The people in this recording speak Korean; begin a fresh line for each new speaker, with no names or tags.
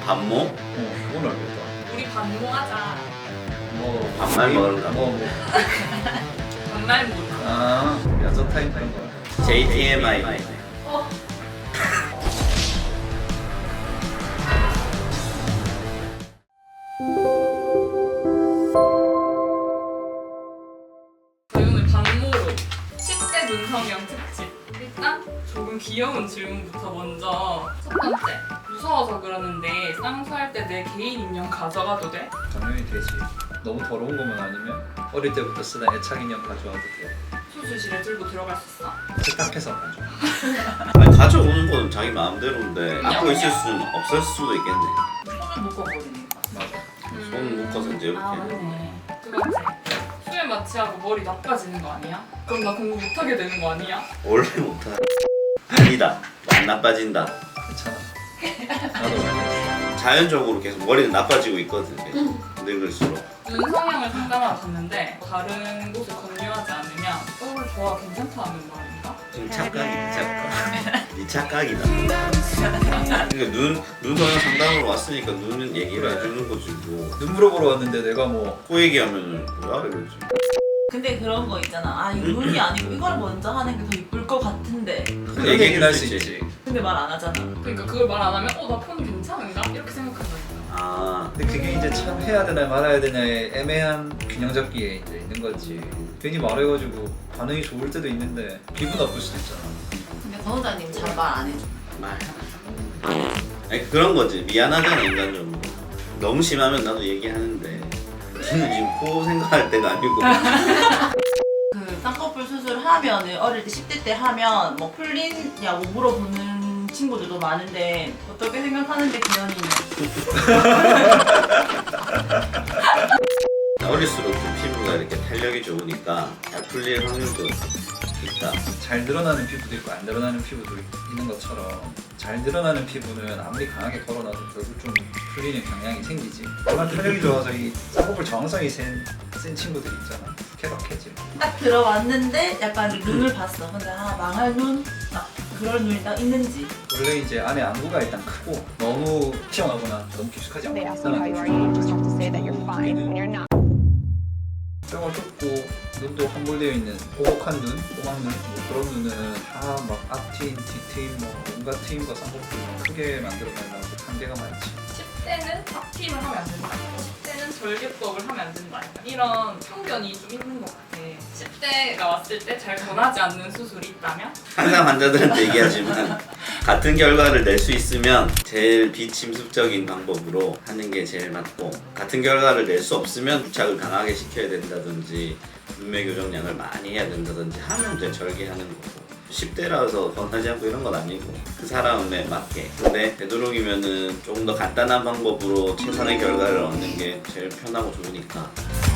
반모?
그건 알겠다.
우리 반모하자.
뭐
반말 먹을까?
반말 모르.
여자 타입 그런 거.
JTMI.
어. 오늘 반모로 10대 눈성형 특집. 일단 조금 귀여운 질문부터 먼저. 첫 번째. 무서워서 그러는데 쌍수할 때 내 개인 인형 가져가도 돼?
당연히 되지. 너무 더러운 것만 아니면 어릴 때부터 쓰던 애착 인형 가져와도 돼.
수술실에 들고 들어갈 수 있어?
세탁해서 가져.
아니, 가져오는 건 자기 마음대로인데 갖고 있을 수는 없을 수도 있겠네.
손을 묶어버리니까.
맞아.
손 묶어서 이제 이렇게.
맞네. 두 번째. 수면 마취하고 머리 나빠지는 거 아니야? 그럼 나 공부 못하게 되는 거 아니야?
원래 못하. 아니다. 안 나빠진다.
괜찮아. 나도 알겠어.
자연적으로 계속 머리는 나빠지고 있거든. 계속. 늙을수록.
눈 성형을 상담하러 갔는데 다른 곳을 권유하지 않으면 좋아 괜찮다 하는 말인가?
지금 착각이다. 네 착각이다. 그러니까 눈 성형 상담으로 왔으니까 눈은 얘기를 해주는 거지 뭐.
눈 물어보러 왔는데 내가 뭐
코 얘기하면은 뭐야 이러지.
근데 그런 거 있잖아. 이 눈이 아니고 이걸 먼저 하는 게 더 이쁠 것 같은데.
그런 얘기는 할 수 있지.
근데 말 안 하잖아.
그러니까 그걸 말 안 하면 나 폰 괜찮은가? 이렇게 생각한다니까.
아,
근데 그게 이제 참 해야 되나 말아야 되나의 애매한 균형 잡기에 이제 있는 거지. 괜히 말해가지고 반응이 좋을 때도 있는데 기분 나쁠 수도 있잖아.
근데 권호자님 잘 말 안 해줘.
말. 아니 그런 거지. 미안하잖아 인간적으로. 너무 심하면 나도 얘기하는데. 지금 코 생각할 때가 아니고.
그 쌍꺼풀 수술하면은 어릴 때 10대 때 하면 뭐 풀리냐고 물어보는 친구들도 많은데 어떻게 생각하는데 기현이는?
어릴수록 좀 피부가 이렇게 탄력이 좋으니까 잘 풀릴 확률도 있다.
잘 늘어나는 피부도 있고 안 늘어나는 피부도 있는 것처럼 잘 늘어나는 피부는 아무리 강하게 걸어놔도 결국 좀 풀리는 경향이 생기지. 워낙 탄력이 좋아서 이 쌍꺼풀 저항성이 센 친구들 있잖아. 케바케지.
딱 들어왔는데 약간 눈을 봤어. 근데 망할 눈? 그럴 눈이 딱 있는지.
원래 이제 안에 안구가 일단 크고 너무 튀어나오거나 너무 깊숙하지
They
않고
ask you how you are, you just have to say that you're fine when you're not.
뼈가 좁고 눈도 함몰되어 있는 오목한 눈, 꼬막눈 뭐 그런 눈은 다 막 앞트임, 뒤트임 뭐 온갖 트임과 쌍꺼풀 크게 만들어내려고 한계가 많지.
10대는 앞팀을 하면 안 된다. 10대는 절개법을 하면 안 된다. 이런 편견이 좀 있는 것 같아. 10대가 왔을 때 잘 권하지 않는 수술이 있다면?
항상 환자들한테 얘기하지만 같은 결과를 낼 수 있으면 제일 비침습적인 방법으로 하는 게 제일 맞고 같은 결과를 낼 수 없으면 부착을 강하게 시켜야 된다든지 눈매 교정량을 많이 해야 된다든지 하면 이제 절개하는 거고 10대라서 권하지 않고 이런 건 아니고 그 사람에 맞게 근데 되도록이면은 조금 더 간단한 방법으로 최선의 결과를 얻는 게 제일 편하고 좋으니까